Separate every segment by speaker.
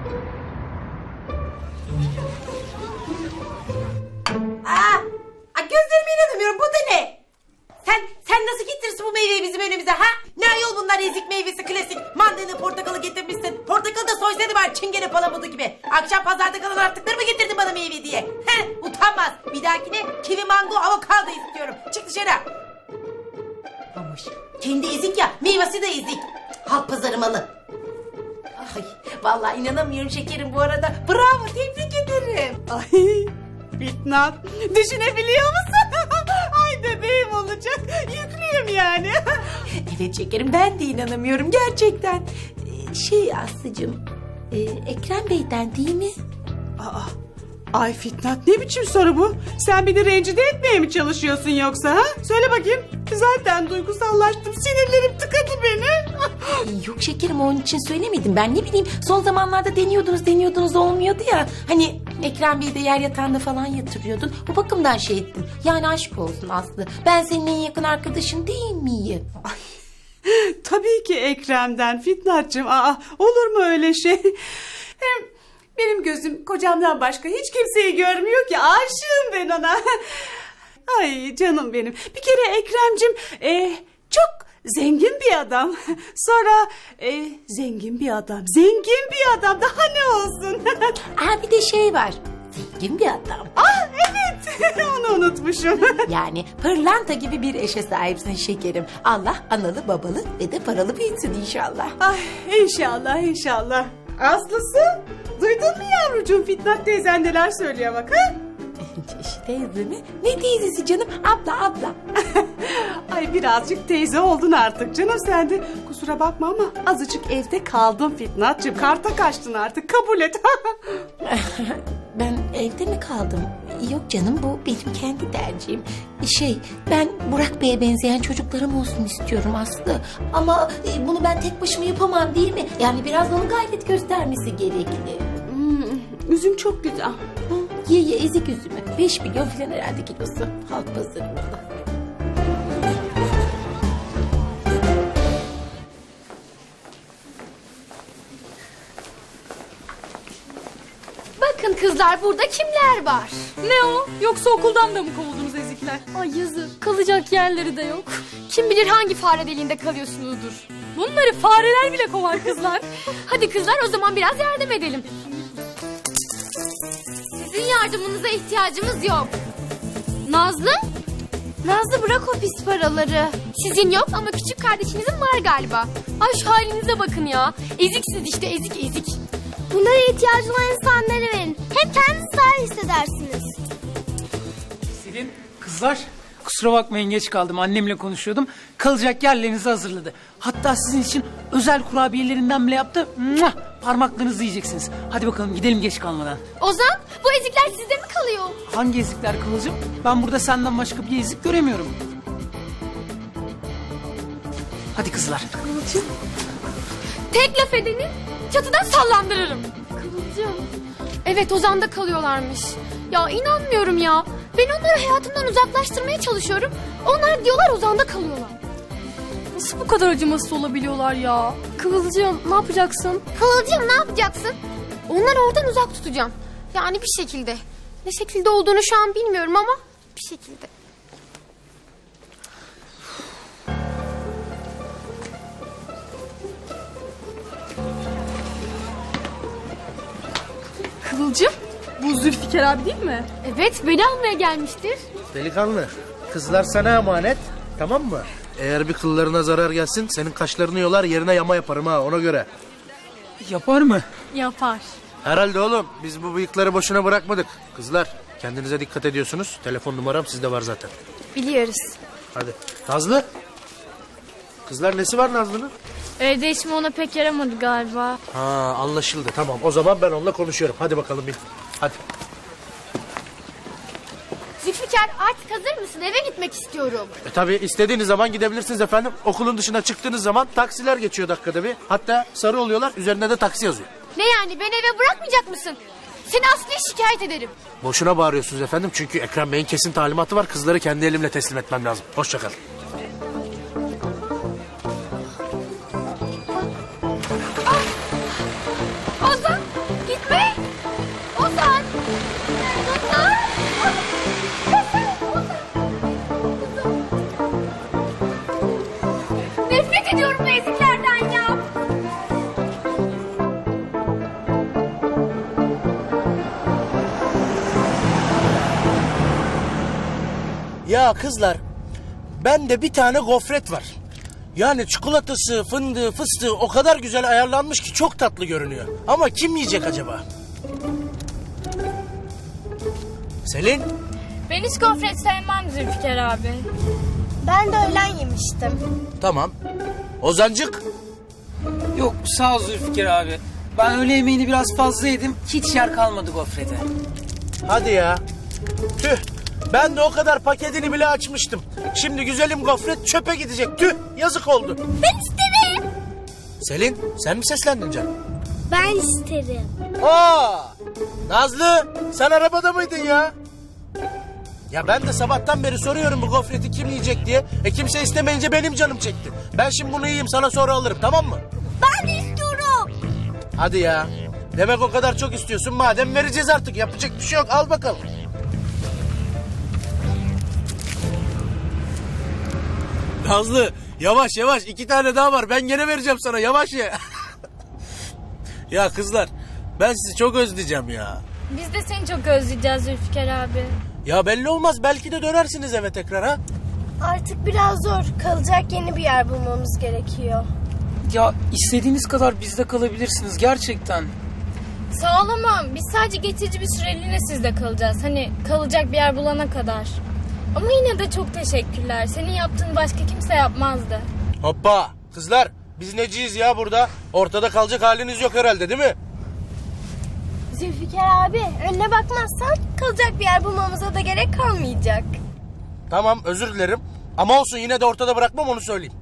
Speaker 1: Gözlerime inanamıyorum, bu da ne? Sen nasıl getirirsin bu meyveyi bizim önümüze ha? Ne ayol bunlar, ezik meyvesi klasik. Mandalina portakalı getirmişsin. Portakalı da soysaydı var, çingene palamudu gibi. Akşam pazarda kalan artıkları mı getirdin bana meyve diye? Utanmaz. Bir dahakine kivi, mango, avokado istiyorum. Çık dışarı. Amış. Kendi ezik ya, meyvesi de ezik. Halk pazarı malı. Ay, vallahi inanamıyorum şekerim bu arada. Bravo, tebrik ederim.
Speaker 2: Ay Fitnat, düşünebiliyor musun? Ay bebeğim olacak, yüklüyüm yani.
Speaker 1: Evet şekerim, ben de inanamıyorum gerçekten. Aslıcığım, Ekrem Bey'den değil mi?
Speaker 2: Ay Fitnat, ne biçim soru bu? Sen beni rencide etmeye mi çalışıyorsun yoksa ha? Söyle bakayım. Zaten duygusallaştım, sinirlerim tıkadı beni.
Speaker 1: Yok şekerim, onun için söylemedim. Ben ne bileyim, son zamanlarda deniyordunuz olmuyordu ya. Hani Ekrem Bey'i de yer yatağında falan yatırıyordun. Bu bakımdan şey ettim. Yani aşk olsun Aslı. Ben senin en yakın arkadaşın değil miyim?
Speaker 2: Tabii ki Ekrem'den Fitnat'cığım. Olur mu öyle şey? Hem benim gözüm kocamdan başka hiç kimseyi görmüyor ki. Aşığım ben ona. Ay canım benim. Bir kere Ekrem'cim çok zengin bir adam. Sonra zengin bir adam. Zengin bir adam. Daha ne olsun?
Speaker 1: Bir de şey var. Zengin bir adam.
Speaker 2: Evet. Onu unutmuşum.
Speaker 1: Yani pırlanta gibi bir eşe sahipsin şekerim. Allah analı babalı ve de paralı büyütsün inşallah.
Speaker 2: Ay inşallah inşallah. Aslısı, duydun mu yavrucuğum, Fitnat teyzen neler söylüyor bak ha?
Speaker 1: Teyze mi? Ne teyzesi canım? Abla.
Speaker 2: Ay birazcık teyze oldun artık canım sen de. Kusura bakma ama azıcık evde kaldın Fitnat'cığım. Karta kaçtın artık, kabul et.
Speaker 1: Ben evde mi kaldım? Yok canım, bu benim kendi tercihim. Ben Burak Bey'e benzeyen çocuklarım olsun istiyorum Aslı. Ama bunu ben tek başıma yapamam değil mi? Yani biraz onun gayret göstermesi gerekli.
Speaker 2: Üzüm çok güzel.
Speaker 1: Ye ezik üzümü. 5 milyon falan herhalde kilosu. Halk pazarında.
Speaker 3: Bakın kızlar, burada kimler var?
Speaker 4: Ne o? Yoksa okuldan da mı kovuldunuz ezikler?
Speaker 3: Ay yazık, kalacak yerleri de yok. Kim bilir hangi fare deliğinde kalıyorsunuzdur.
Speaker 4: Bunları fareler bile kovar kızlar.
Speaker 3: Hadi kızlar, o zaman biraz yardım edelim. Sizin yardımınıza ihtiyacımız yok. Nazlı? Nazlı bırak o pis paraları. Sizin yok ama küçük kardeşinizin var galiba. Ay şu halinize bakın ya. Eziksiniz işte, ezik.
Speaker 5: Bunlara ihtiyacı olan insanlara verin. Hem kendinizi daha iyi hissedersiniz.
Speaker 6: Selin, kızlar kusura bakmayın geç kaldım. Annemle konuşuyordum. Kalacak yerlerinizi hazırladı. Hatta sizin için özel kurabiyelerinden bile yaptı. Muah! Parmaklarınızı yiyeceksiniz. Hadi bakalım gidelim geç kalmadan.
Speaker 3: Ozan, bu ezikler sizde mi kalıyor?
Speaker 6: Hangi ezikler Kıvılcım? Ben burada senden başka bir ezik göremiyorum. Hadi kızlar.
Speaker 3: Kıvılcım. Tek laf edeni çatıdan sallandırırım. Kıvılcım. Evet, Ozan'da kalıyorlarmış. Ya inanmıyorum ya. Ben onları hayatımdan uzaklaştırmaya çalışıyorum. Onlar diyorlar Ozan'da kalıyorlar.
Speaker 4: Nasıl bu kadar acımasız olabiliyorlar ya?
Speaker 3: Kıvılcım ne yapacaksın? Kıvılcım ne yapacaksın? Onları oradan uzak tutacağım. Yani bir şekilde. Ne şekilde olduğunu şu an bilmiyorum ama bir şekilde.
Speaker 4: Kıvılcım, bu Zülfikar abi değil mi?
Speaker 3: Evet, beni almaya gelmiştir.
Speaker 7: Delikanlı, kızlar sana emanet, tamam mı? Eğer bir kıllarına zarar gelsin, senin kaşlarını yolar, yerine yama yaparım ha, ona göre.
Speaker 6: Yapar mı?
Speaker 4: Yapar.
Speaker 7: Herhalde oğlum, biz bu bıyıkları boşuna bırakmadık. Kızlar, kendinize dikkat ediyorsunuz. Telefon numaram sizde var zaten.
Speaker 3: Biliyoruz.
Speaker 7: Hadi. Nazlı? Kızlar nesi var Nazlı'nın?
Speaker 3: Evde işim ona pek yaramadı galiba.
Speaker 7: Ha, anlaşıldı, tamam. O zaman ben onunla konuşuyorum. Hadi bakalım bin. Hadi.
Speaker 3: Zülfikar, artık hazır mısın? Eve gitmek istiyorum.
Speaker 7: Tabii istediğiniz zaman gidebilirsiniz efendim. Okulun dışına çıktığınız zaman taksiler geçiyor dakikada bir. Hatta sarı oluyorlar, üzerinde de taksi yazıyor.
Speaker 3: Ne yani, beni eve bırakmayacak mısın? Seni Aslı'ya şikayet ederim.
Speaker 7: Boşuna bağırıyorsunuz efendim, çünkü Ekrem Bey'in kesin talimatı var. Kızları kendi elimle teslim etmem lazım. Hoşça kalın.
Speaker 3: Ozan,
Speaker 7: Ya kızlar, bende bir tane gofret var. Yani çikolatası, fındığı, fıstığı o kadar güzel ayarlanmış ki çok tatlı görünüyor. Ama kim yiyecek acaba? Selin?
Speaker 3: Ben hiç gofret sevmem Zülfikar abi.
Speaker 5: Ben de öğlen yemiştim.
Speaker 7: Tamam. Ozancık?
Speaker 6: Yok sağ ol Zülfikar abi. Ben öğle yemeğini biraz fazla yedim. Hiç yer kalmadı gofrete.
Speaker 7: Hadi ya. Tüh. Ben de o kadar paketini bile açmıştım. Şimdi güzelim gofret çöpe gidecek. Tüh. Yazık oldu.
Speaker 5: Ben isterim.
Speaker 7: Selin, sen mi seslendin canım?
Speaker 5: Ben isterim.
Speaker 7: Aa! Nazlı, sen arabada mıydın ya? Ya ben de sabahtan beri soruyorum bu gofreti kim yiyecek diye. Kimse istemeyince benim canım çekti. Ben şimdi bunu yiyeyim, sana sonra alırım, tamam mı?
Speaker 5: Ben de istiyorum.
Speaker 7: Hadi ya. Demek o kadar çok istiyorsun. Madem vereceğiz artık. Yapacak bir şey yok. Al bakalım. Nazlı, yavaş yavaş. 2 tane daha var. Ben gene vereceğim sana. Yavaş ye. Ya kızlar, ben sizi çok özleyeceğim ya.
Speaker 3: Biz de seni çok özleyeceğiz Zülfikar abi.
Speaker 7: Ya belli olmaz. Belki de dönersiniz eve tekrar ha.
Speaker 5: Artık biraz zor. Kalacak yeni bir yer bulmamız gerekiyor.
Speaker 6: Ya istediğiniz kadar bizde kalabilirsiniz gerçekten.
Speaker 3: Sağ ol ama biz sadece geçici bir süreliğine sizde kalacağız. Hani kalacak bir yer bulana kadar. Ama yine de çok teşekkürler. Senin yaptığını başka kimse yapmazdı.
Speaker 7: Hoppa. Kızlar, biz neciyiz ya burada? Ortada kalacak haliniz yok herhalde, değil mi?
Speaker 5: Zülfikar abi, önüne bakmazsan kalacak bir yer bulmamıza da gerek kalmayacak.
Speaker 7: Tamam, özür dilerim. Ama olsun, yine de ortada bırakmam, onu söyleyeyim.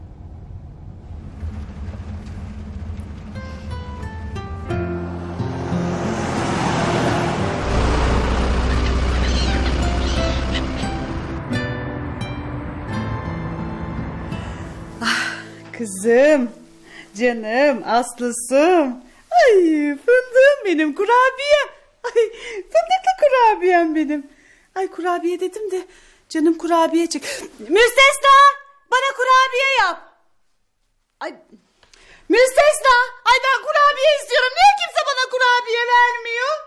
Speaker 2: Kızım, canım, aslısım. Ay fındığım benim, kurabiye. Ay fındıklı kurabiyem benim. Ay kurabiye dedim de canım kurabiye çek. Müstesna, bana kurabiye yap. Ay müstesna, ay ben kurabiye istiyorum. Niye kimse bana kurabiye vermiyor?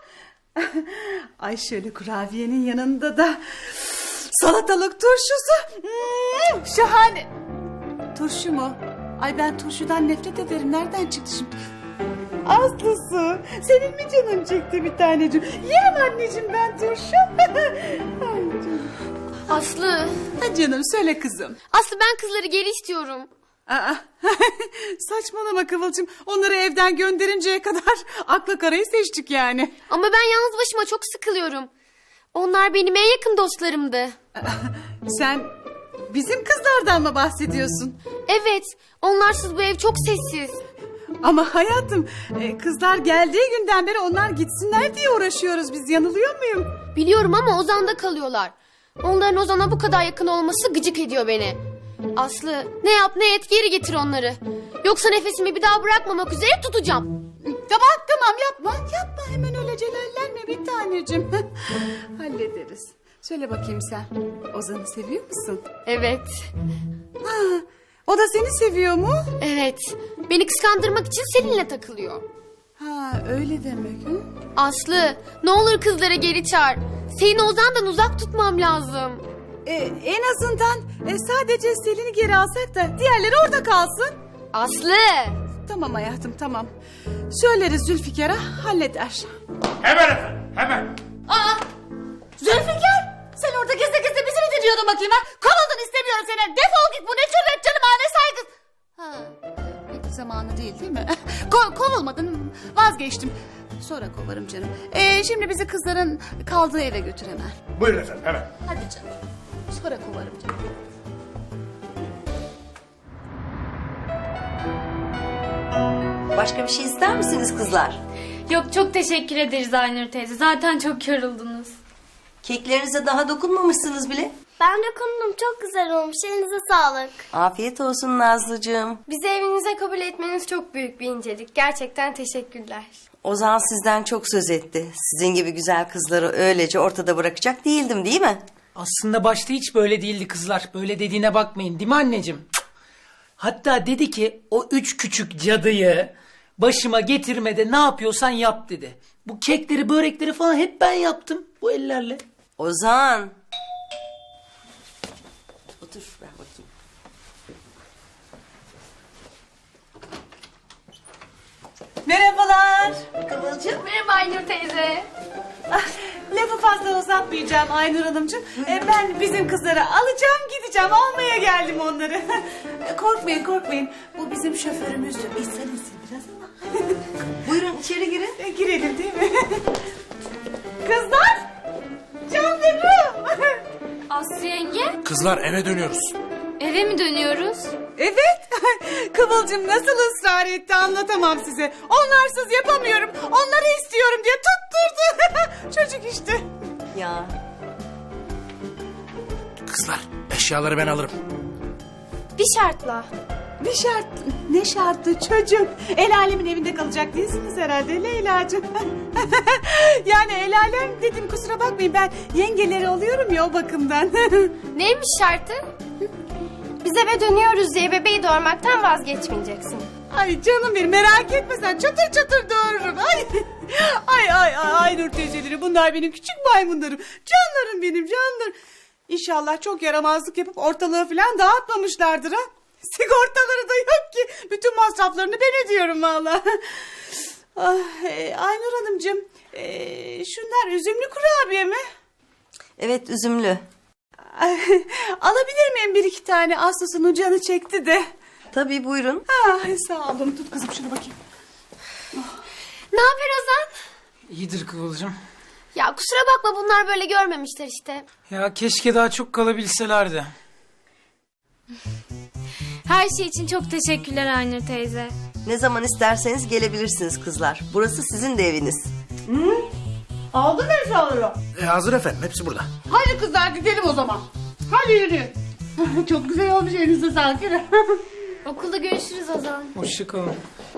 Speaker 2: Ay şöyle kurabiyenin yanında da salatalık turşusu. Şahane. Turşu mu? Ay ben turşudan nefret ederim. Nereden çıktı şimdi? Aslısı, senin mi canın çekti bir tanecim? Yerim anneciğim ben turşu. Ay canım.
Speaker 3: Aslı.
Speaker 2: Ha canım söyle kızım.
Speaker 3: Aslı ben kızları geri istiyorum.
Speaker 2: Aa, saçmalama Kıvılcım. Onları evden gönderinceye kadar akla karayı seçtik yani.
Speaker 3: Ama ben yalnız başıma çok sıkılıyorum. Onlar benim en yakın dostlarımdı.
Speaker 2: Sen bizim kızlardan mı bahsediyorsun?
Speaker 3: Evet, onlarsız bu ev çok sessiz.
Speaker 2: Ama hayatım kızlar geldiği günden beri onlar gitsinler diye uğraşıyoruz biz. Yanılıyor muyum?
Speaker 3: Biliyorum ama Ozan'da kalıyorlar. Onların Ozan'a bu kadar yakın olması gıcık ediyor beni. Aslı ne yap ne et geri getir onları. Yoksa nefesimi bir daha bırakmamak üzere tutacağım.
Speaker 2: Tamam yapma hemen öyle celallenme bir tanecim. Hallederiz. Söyle bakayım sen Ozan'ı seviyor musun?
Speaker 3: Evet,
Speaker 2: Ha, o da seni seviyor mu?
Speaker 3: evet. Beni kıskandırmak için seninle takılıyor.
Speaker 2: Ha öyle demek. Hı?
Speaker 3: Aslı ne olur kızlara geri çağır. Seni Ozan'dan uzak tutmam lazım.
Speaker 2: En azından sadece Selin'i geri alsak da diğerleri orada kalsın.
Speaker 3: Aslı.
Speaker 2: Tamam hayatım tamam. Söyleriz Zülfikar'a halleder.
Speaker 8: Hemen efendim, hemen.
Speaker 2: Aa, Zülfikar sen orada gizli gizli bizi mi dinliyordun bakayım ha? Kovuldun istemiyorum seni. Defol git bu ne cüret canım ha ne saygı. Ha, pek zamanı değil mi? Kovulmadın vazgeçtim. Sonra kovarım canım. Şimdi bizi kızların kaldığı eve götür hemen.
Speaker 8: Buyurun efendim, hemen.
Speaker 2: Hadi canım. Sonra kovarım canım.
Speaker 9: Başka bir şey ister misiniz kızlar?
Speaker 3: Yok çok teşekkür ederiz Aynur teyze. Zaten çok yoruldunuz.
Speaker 9: Keklerinize daha dokunmamışsınız bile.
Speaker 5: Ben dokundum, çok güzel olmuş. Elinize sağlık.
Speaker 9: Afiyet olsun Nazlıcığım.
Speaker 3: Bizi evinize kabul etmeniz çok büyük bir incelik. Gerçekten teşekkürler.
Speaker 9: Ozan sizden çok söz etti. Sizin gibi güzel kızları öylece ortada bırakacak değildim, değil mi?
Speaker 6: Aslında başta hiç böyle değildi kızlar. Böyle dediğine bakmayın değil mi anneciğim? Cık. Hatta dedi ki o 3 küçük cadıyı başıma getirmede ne yapıyorsan yap dedi. Bu kekleri börekleri falan hep ben yaptım bu ellerle.
Speaker 9: Ozan.
Speaker 2: Merhabalar.
Speaker 9: Kıvılcım.
Speaker 3: Merhaba Aynur teyze.
Speaker 2: Lafı fazla uzatmayacağım Aynur Hanımcığım. Ben bizim kızları alacağım gideceğim. Almaya geldim onları. Korkmayın korkmayın. Bu bizim şoförümüz. İnsan insin biraz ama.
Speaker 9: Buyurun içeri girin.
Speaker 2: Girelim değil mi? Kızlar. Canlarım.
Speaker 3: Aslı yenge,
Speaker 7: Kızlar eve dönüyoruz.
Speaker 3: eve mi dönüyoruz?
Speaker 2: Evet. Kıvılcım nasıl ısrar etti anlatamam size. Onlarsız yapamıyorum. Onları istiyorum diye tutturdu. Çocuk işte.
Speaker 9: Ya
Speaker 7: Kızlar eşyaları ben alırım.
Speaker 5: Bir şartla.
Speaker 2: Bir şart, ne şartı çocuk? El alemin evinde kalacak değilsiniz herhalde Leyla'cığım. Yani el alem dedim kusura bakmayın ben yengeleri oluyorum ya o bakımdan.
Speaker 5: Neymiş şartı? Biz eve dönüyoruz diye bebeği doğurmaktan vazgeçmeyeceksin.
Speaker 2: Ay canım benim merak etme sen çatır çatır doğururum. Ay Nur teyzeleri bunlar benim küçük maymunlarım. Canlarım benim canlarım. İnşallah çok yaramazlık yapıp ortalığı falan dağıtmamışlardır ha. Sigortaları da yok ki. Bütün masraflarını ben ödüyorum valla. Aynur Hanımcığım şunlar üzümlü kurabiye mi?
Speaker 9: evet üzümlü.
Speaker 2: Alabilir miyim bir iki tane? Aslı'nın canı çekti de.
Speaker 9: Tabii buyurun.
Speaker 2: Sağ olun tut kızım şunu bakayım.
Speaker 3: Ne haber Ozan?
Speaker 6: İyidir Kıvılcım.
Speaker 3: Ya kusura bakma bunlar böyle görmemişler işte.
Speaker 6: Ya keşke daha çok kalabilselerdi.
Speaker 3: Her şey için çok teşekkürler Aynur teyze.
Speaker 9: Ne zaman isterseniz gelebilirsiniz kızlar. Burası sizin de eviniz.
Speaker 2: Aldın mı eşyaları?
Speaker 7: Hazır efendim hepsi burada.
Speaker 2: Hadi kızlar gidelim o zaman. Hadi yürü. Çok güzel olmuş elinize sağlık.
Speaker 3: Okulda görüşürüz Ozan.
Speaker 6: Hoşçakalın.